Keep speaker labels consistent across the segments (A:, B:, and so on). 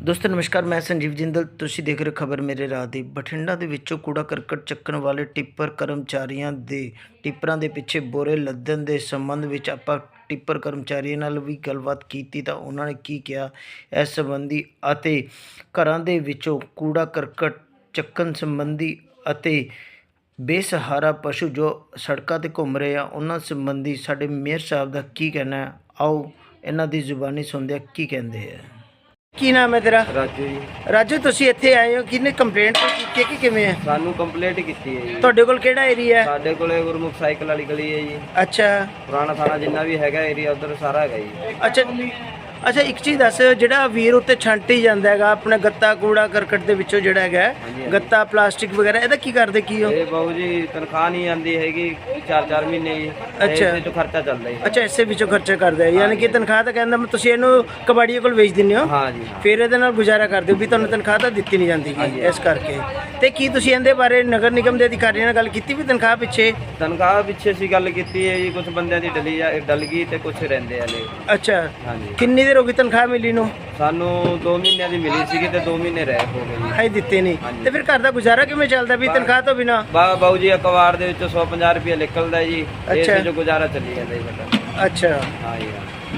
A: ਦੋਸਤੋ ਨਮਸਕਾਰ, ਮੈਂ ਸੰਜੀਵ ਜਿੰਦਲ। ਤੁਸੀਂ ਦੇਖ ਰਹੇ ਖਬਰ ਮੇਰੇ ਰਾਹ ਦੀ। ਬਠਿੰਡਾ ਦੇ ਵਿੱਚੋਂ ਕੂੜਾ ਕਰਕਟ ਚੱਕਣ ਵਾਲੇ ਟਿੱਪਰ ਕਰਮਚਾਰੀਆਂ ਦੇ ਟਿੱਪਰਾਂ ਦੇ ਪਿੱਛੇ ਬੋਰੇ ਲੱਦਣ ਦੇ ਸੰਬੰਧ ਵਿੱਚ ਆਪਾਂ ਟਿੱਪਰ ਕਰਮਚਾਰੀਆਂ ਨਾਲ ਵੀ ਗੱਲਬਾਤ ਕੀਤੀ ਤਾਂ ਉਹਨਾਂ ਨੇ ਕੀ ਕਿਹਾ ਇਸ ਸੰਬੰਧੀ ਅਤੇ ਘਰਾਂ ਦੇ ਵਿੱਚੋਂ ਕੂੜਾ ਕਰਕਟ ਚੱਕਣ ਸੰਬੰਧੀ ਅਤੇ ਬੇਸਹਾਰਾ ਪਸ਼ੂ ਜੋ ਸੜਕਾਂ 'ਤੇ ਘੁੰਮ ਰਹੇ ਆ ਉਹਨਾਂ ਸੰਬੰਧੀ ਸਾਡੇ ਮੇਅਰ ਸਾਹਿਬ ਦਾ ਕੀ ਕਹਿਣਾ ਹੈ। ਆਓ ਇਹਨਾਂ ਦੀ ਜ਼ੁਬਾਨੀ ਸੁਣਦੇ ਆ ਕੀ ਕਹਿੰਦੇ ਆ। ਕੀ ਨਾਮ ਹੈ ਤੇਰਾ?
B: ਰਾਜੂ ਜੀ।
A: ਰਾਜੂ, ਤੁਸੀਂ ਇੱਥੇ ਆਏ ਹੋ, ਕਿਹਨੇ ਕੰਪਲੇਂਟ ਕੀਤੀ ਕਿ ਕਿਵੇਂ ਹੈ?
B: ਸਾਨੂੰ ਕੰਪਲੇਂਟ ਕੀਤੀ ਹੈ ਜੀ।
A: ਤੁਹਾਡੇ ਕੋਲ ਕਿਹੜਾ ਏਰੀਆ ਹੈ?
B: ਸਾਡੇ ਕੋਲੇ ਗੁਰਮੁਖ ਸਾਈਕਲ ਵਾਲੀ ਗਲੀ ਹੈ ਜੀ।
A: ਅੱਛਾ
B: ਪੁਰਾਣਾ ਥਾਣਾ ਜਿੰਨਾ ਵੀ ਹੈਗਾ ਏਰੀਆ ਉਧਰ ਸਾਰਾ ਹੈਗਾ ਜੀ।
A: ਅੱਛਾ ਇੱਕ ਚੀਜ਼ ਦੱਸ, ਜਿਹੜਾ ਵੀਰ ਉੱਤੇ ਛੰਟ ਹੀ ਜਾਂਦਾ ਹੈਗਾ ਆਪਣਾ ਗੱਤਾ ਕੂੜਾ ਕਰਕਟ ਦੇ ਵਿੱਚੋਂ ਜਿਹੜਾ ਹੈਗਾ ਗੱਤਾ ਪਲਾਸਟਿਕ ਵਗੈਰਾ, ਇਹਦਾ ਕੀ ਕਰਦੇ ਕੀ ਹੋ?
B: ਇਹ ਬਾਬੂ ਜੀ ਤਨਖਾਹ ਨਹੀਂ ਆਉਂਦੀ ਹੈਗੀ 4-4 ਮਹੀਨੇ ਜੀ।
A: ਅੱਛਾ।
B: ਇਸੇ ਤੋਂ ਖਰਚਾ ਚੱਲਦਾ ਜੀ।
A: ਅੱਛਾ, ਇਸੇ ਵਿੱਚੋਂ ਖਰਚਾ ਕਰਦੇ ਆ, ਯਾਨੀ ਕਿ ਤਨਖਾਹ ਤਾਂ ਕਹਿੰਦਾ ਤੁਸੀਂ ਇਹਨੂੰ ਕਬਾੜੀਏ ਕੋਲ ਵੇਚ ਦਿੰਦੇ ਹੋ?
B: ਹਾਂ ਜੀ।
A: ਫਿਰ ਇਹਦੇ ਨਾਲ ਗੁਜ਼ਾਰਾ ਕਰਦੇ ਹੋ ਵੀ ਤੁਹਾਨੂੰ ਤਨਖਾਹ ਤਾਂ ਦਿੱਤੀ ਨਹੀਂ ਜਾਂਦੀ ਇਸ ਕਰਕੇ। ਤੇ ਕੀ ਤੁਸੀਂ ਇਹਦੇ ਬਾਰੇ ਨਗਰ ਨਿਗਮ ਦੇ ਅਧਿਕਾਰੀਆਂ ਨਾਲ ਗੱਲ ਕੀਤੀ ਵੀ ਤਨਖਾਹ ਪਿੱਛੇ
B: ਅਸੀਂ ਗੱਲ ਕੀਤੀ ਹੈ ਜੀ। ਕੁਝ ਬੰਦਿਆਂ ਦੀ ਡਲ ਗਈ ਤੇ ਕੁਝ ਰਹਿੰਦੇ ਆ ਨੇ।
A: ਅੱਛਾ,
B: ਹਾਂਜੀ।
A: ਕਿੰਨੀ ਦੇਰ ਹੋ ਗਈ ਤਨਖਾਹ ਮਿਲੀ ਨੂੰ?
B: ਸਾਨੂੰ 2 ਮਹੀਨਿਆਂ ਦੀ ਮਿਲੀ ਸੀਗੀ ਤੇ 2 ਮਹੀਨੇ ਰਹਿ ਹੋ ਗਏ ਜੀ।
A: ਹਾਈ ਦਿੱਤੇ ਨਹੀਂ ਤੇ ਫਿਰ ਘਰ ਦਾ ਗੁਜ਼ਾਰਾ ਕਿਵੇਂ ਚੱਲਦਾ ਵੀ ਤਨਖਾਹ ਤੋਂ ਬਿਨਾ?
B: ਬਾਬੂ ਜੀ ਅਖਬਾਰ ਦੇ ਵਿੱਚੋਂ 150 ਰੁਪਏ ਨਿਕਲਦਾ ਜੀ।
A: ਅੱਛਾ।
B: ਇਸੇ 'ਚ ਗੁਜ਼ਾਰਾ ਚੱਲੀ ਜਾਂਦਾ ਜੀ ਸਾਡਾ।
A: ਅੱਛਾ
B: ਹਾਂ ਜੀ।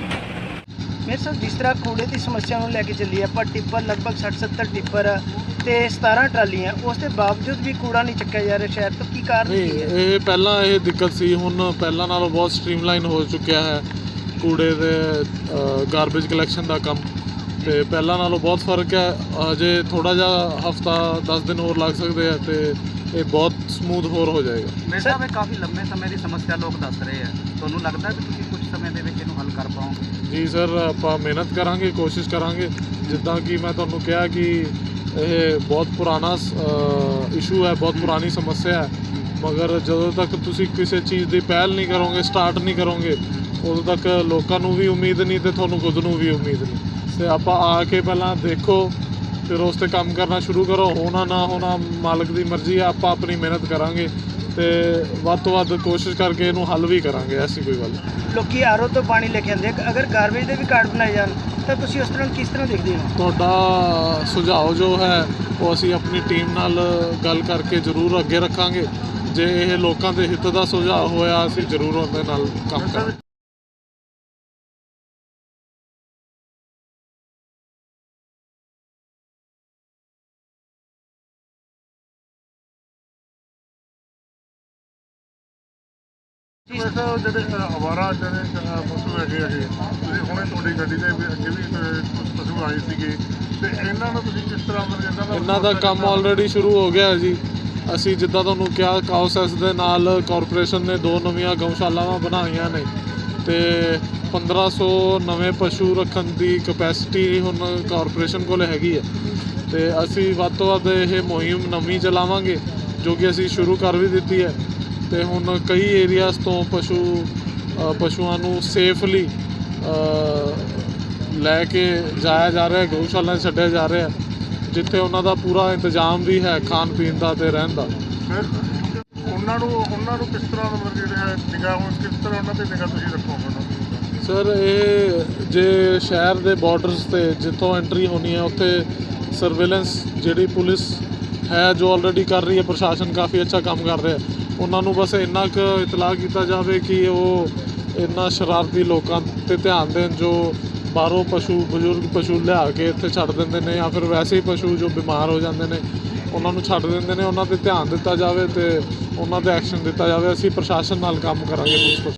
A: ਮੇਰੇ ਸਾਹਿਬ, ਜਿਸ ਤਰ੍ਹਾਂ ਕੂੜੇ ਦੀ ਸਮੱਸਿਆ ਨੂੰ ਲੈ ਕੇ ਚੱਲੀ ਆਪਾਂ ਟਿੱਪਰ ਲਗਭਗ 60-70 ਟਿੱਪਰ ਤੇ 17 ਟਰਾਲੀਆਂ, ਉਸ ਦੇ ਬਾਵਜੂਦ ਵੀ ਕੂੜਾ ਨਹੀਂ ਚੱਕਿਆ ਜਾ ਰਿਹਾ ਸ਼ਹਿਰ ਤੋਂ, ਕੀ ਕਾਰਨ ਕੀ ਹੈ?
C: ਇਹ ਪਹਿਲਾਂ ਇਹ ਦਿੱਕਤ ਸੀ, ਹੁਣ ਪਹਿਲਾਂ ਨਾਲੋਂ ਬਹੁਤ ਸਟ੍ਰੀਮਲਾਈਨ ਹੋ ਚੁੱਕਿਆ ਹੈ ਕੂੜੇ ਦੇ ਗਾਰਬੇਜ ਕਲੈਕਸ਼ਨ ਦਾ ਕੰਮ। ਤੇ ਪਹਿਲਾਂ ਨਾਲੋਂ ਬਹੁਤ ਫਰਕ ਹੈ। ਅਜੇ ਥੋੜਾ ਜਿਹਾ ਹਫਤਾ 10 ਦਿਨ ਹੋਰ ਲੱਗ ਸਕਦੇ ਆ ਤੇ ਇਹ ਬਹੁਤ ਸਮੂਥ ਹੋਰ ਹੋ ਜਾਏਗਾ।
D: ਮੇਰੇ ਸਾਹਿਬ, ਇਹ ਕਾਫੀ ਲੰਮੇ ਸਮੇਂ ਦੀ ਸਮੱਸਿਆ ਲੋਕ ਦੱਸ ਰਹੇ ਆ, ਤੁਹਾਨੂੰ ਲੱਗਦਾ ਕਿ ਤੁਸੀਂ ਕੁਝ ਸਮੇਂ ਦੇ ਵਿੱਚ ਇਹਨੂੰ ਹੱਲ ਕਰ ਪਾਓਗੇ?
C: ਜੀ ਸਰ, ਆਪਾਂ ਮਿਹਨਤ ਕਰਾਂਗੇ, ਕੋਸ਼ਿਸ਼ ਕਰਾਂਗੇ। ਜਿੱਦਾਂ ਕਿ ਮੈਂ ਤੁਹਾਨੂੰ ਕਿਹਾ ਕਿ ਇਹ ਬਹੁਤ ਪੁਰਾਣਾ ਇਸ਼ੂ ਹੈ, ਬਹੁਤ ਪੁਰਾਣੀ ਸਮੱਸਿਆ ਹੈ, ਮਗਰ ਜਦੋਂ ਤੱਕ ਤੁਸੀਂ ਕਿਸੇ ਚੀਜ਼ ਦੀ ਪਹਿਲ ਨਹੀਂ ਕਰੋਗੇ, ਸਟਾਰਟ ਨਹੀਂ ਕਰੋਗੇ, ਉਦੋਂ ਤੱਕ ਲੋਕਾਂ ਨੂੰ ਵੀ ਉਮੀਦ ਨਹੀਂ ਤੇ ਤੁਹਾਨੂੰ ਖੁਦ ਨੂੰ ਵੀ ਉਮੀਦ ਨਹੀਂ। ਤੇ ਆਪਾਂ ਆ ਕੇ ਪਹਿਲਾਂ ਦੇਖੋ, ਫਿਰ ਉਸ 'ਤੇ ਕੰਮ ਕਰਨਾ ਸ਼ੁਰੂ ਕਰੋ। ਹੋਣਾ ਨਾ ਹੋਣਾ ਮਾਲਕ ਦੀ ਮਰਜ਼ੀ ਹੈ। ਆਪਾਂ ਆਪਣੀ ਮਿਹਨਤ ਕਰਾਂਗੇ ਤੇ ਵੱਧ ਤੋਂ ਵੱਧ ਕੋਸ਼ਿਸ਼ ਕਰਕੇ ਇਹਨੂੰ ਹੱਲ ਵੀ ਕਰਾਂਗੇ। ਐਸੀ ਕੋਈ ਗੱਲ ਨਹੀਂ।
A: ਲੋਕੀ ਆਰਓ ਤੋਂ ਪਾਣੀ ਲੈ ਕੇ ਆਉਂਦੇ, ਅਗਰ ਗਾਰਬੇਜ ਦੇ ਵੀ ਕਾਰਡ ਬਣਾਏ ਜਾਣ ਤਾਂ ਤੁਸੀਂ ਉਸ ਤਰ੍ਹਾਂ ਕਿਸ ਤਰ੍ਹਾਂ ਦੇਖਦੇ ਹੋ?
C: ਤੁਹਾਡਾ ਸੁਝਾਅ ਜੋ ਹੈ ਉਹ ਅਸੀਂ ਆਪਣੀ ਟੀਮ ਨਾਲ ਗੱਲ ਕਰਕੇ ਜ਼ਰੂਰ ਅੱਗੇ ਰੱਖਾਂਗੇ। ਜੇ ਇਹ ਲੋਕਾਂ ਦੇ ਹਿੱਤ ਦਾ ਸੁਝਾਅ ਹੋਇਆ ਅਸੀਂ ਜ਼ਰੂਰ ਉਹਦੇ ਨਾਲ ਕੰਮ ਕਰਾਂਗੇ।
E: ਜਿਹੜੇ ਅਵਾਰਾ ਜਿਹੜੇ ਪਸ਼ੂ ਹੈਗੇ ਤੁਸੀਂ ਹੁਣੇ ਤੁਹਾਡੀ ਗੱਡੀ ਦੇ ਅੱਗੇ ਵੀ ਕੁਝ ਪਸ਼ੂ ਆਏ ਸੀਗੇ ਤੇ ਇਹਨਾਂ ਨੂੰ ਤੁਸੀਂ ਕਿਸ ਤਰ੍ਹਾਂ
C: ਇਹਨਾਂ ਦਾ ਕੰਮ ਆਲਰੇਡੀ ਸ਼ੁਰੂ ਹੋ ਗਿਆ ਹੈ ਜੀ। ਅਸੀਂ ਜਿੱਦਾਂ ਤੁਹਾਨੂੰ ਕਿਹਾ, ਕਾਉਸੈਸ ਦੇ ਨਾਲ ਕਾਰਪੋਰੇਸ਼ਨ ਨੇ 2 ਨਵੀਆਂ ਗਊਸ਼ਾਲਾਵਾਂ ਬਣਾਈਆਂ ਨੇ ਤੇ 1500 ਨਵੇਂ ਪਸ਼ੂ ਰੱਖਣ ਦੀ ਕਪੈਸਿਟੀ ਹੁਣ ਕਾਰਪੋਰੇਸ਼ਨ ਕੋਲ ਹੈਗੀ ਹੈ। ਤੇ ਅਸੀਂ ਵੱਧ ਤੋਂ ਵੱਧ ਇਹ ਮੁਹਿੰਮ ਨਵੀਂ ਚਲਾਵਾਂਗੇ ਜੋ ਕਿ ਅਸੀਂ ਸ਼ੁਰੂ ਕਰ ਵੀ ਦਿੱਤੀ ਹੈ। ਤੇ ਹੁਣ ਕਈ ਏਰੀਆਜ਼ ਤੋਂ ਪਸ਼ੂਆਂ ਨੂੰ ਸੇਫਲੀ ਲੈ ਕੇ ਜਾਇਆ ਜਾ ਰਿਹਾ, ਗਊਸ਼ਾਲਾ 'ਚ ਛੱਡਿਆ ਜਾ ਰਿਹਾ, ਜਿੱਥੇ ਉਹਨਾਂ ਦਾ ਪੂਰਾ ਇੰਤਜ਼ਾਮ ਵੀ ਹੈ ਖਾਣ ਪੀਣ ਦਾ ਤੇ ਰਹਿਣ ਦਾ।
E: ਉਹਨਾਂ ਨੂੰ ਕਿਸ ਤਰ੍ਹਾਂ ਜਿਹੜੇ ਨਿਗਾਹ ਕਿਸ ਤਰ੍ਹਾਂ ਉਹਨਾਂ ਤੇ ਨਿਗਾਹ ਤੁਸੀਂ ਰੱਖੋਗੇ?
C: ਸਰ, ਇਹ ਜੇ ਸ਼ਹਿਰ ਦੇ ਬਾਰਡਰਸ 'ਤੇ ਜਿੱਥੋਂ ਐਂਟਰੀ ਹੋਣੀ ਹੈ ਉੱਥੇ ਸਰਵੇਲੈਂਸ ਜਿਹੜੀ ਪੁਲਿਸ ਹੈ ਜੋ ਆਲਰੇਡੀ ਕਰ ਰਹੀ ਹੈ, ਪ੍ਰਸ਼ਾਸਨ ਕਾਫੀ ਅੱਛਾ ਕੰਮ ਕਰ ਰਿਹਾ। ਉਹਨਾਂ ਨੂੰ ਬਸ ਇੰਨਾ ਕੁ ਇਤਲਾਹ ਕੀਤਾ ਜਾਵੇ ਕਿ ਉਹ ਇਹਨਾਂ ਸ਼ਰਾਰਤੀ ਲੋਕਾਂ 'ਤੇ ਧਿਆਨ ਦੇਣ ਜੋ ਬਾਹਰੋਂ ਬਜ਼ੁਰਗ ਪਸ਼ੂ ਲਿਆ ਕੇ ਇੱਥੇ ਛੱਡ ਦਿੰਦੇ ਨੇ, ਜਾਂ ਫਿਰ ਵੈਸੇ ਹੀ ਪਸ਼ੂ ਜੋ ਬਿਮਾਰ ਹੋ ਜਾਂਦੇ ਨੇ ਉਹਨਾਂ ਨੂੰ ਛੱਡ ਦਿੰਦੇ ਨੇ। ਉਹਨਾਂ 'ਤੇ ਧਿਆਨ ਦਿੱਤਾ ਜਾਵੇ ਤੇ ਉਹਨਾਂ 'ਤੇ ਐਕਸ਼ਨ ਦਿੱਤਾ ਜਾਵੇ। ਅਸੀਂ ਪ੍ਰਸ਼ਾਸਨ ਨਾਲ ਕੰਮ ਕਰਾਂਗੇ।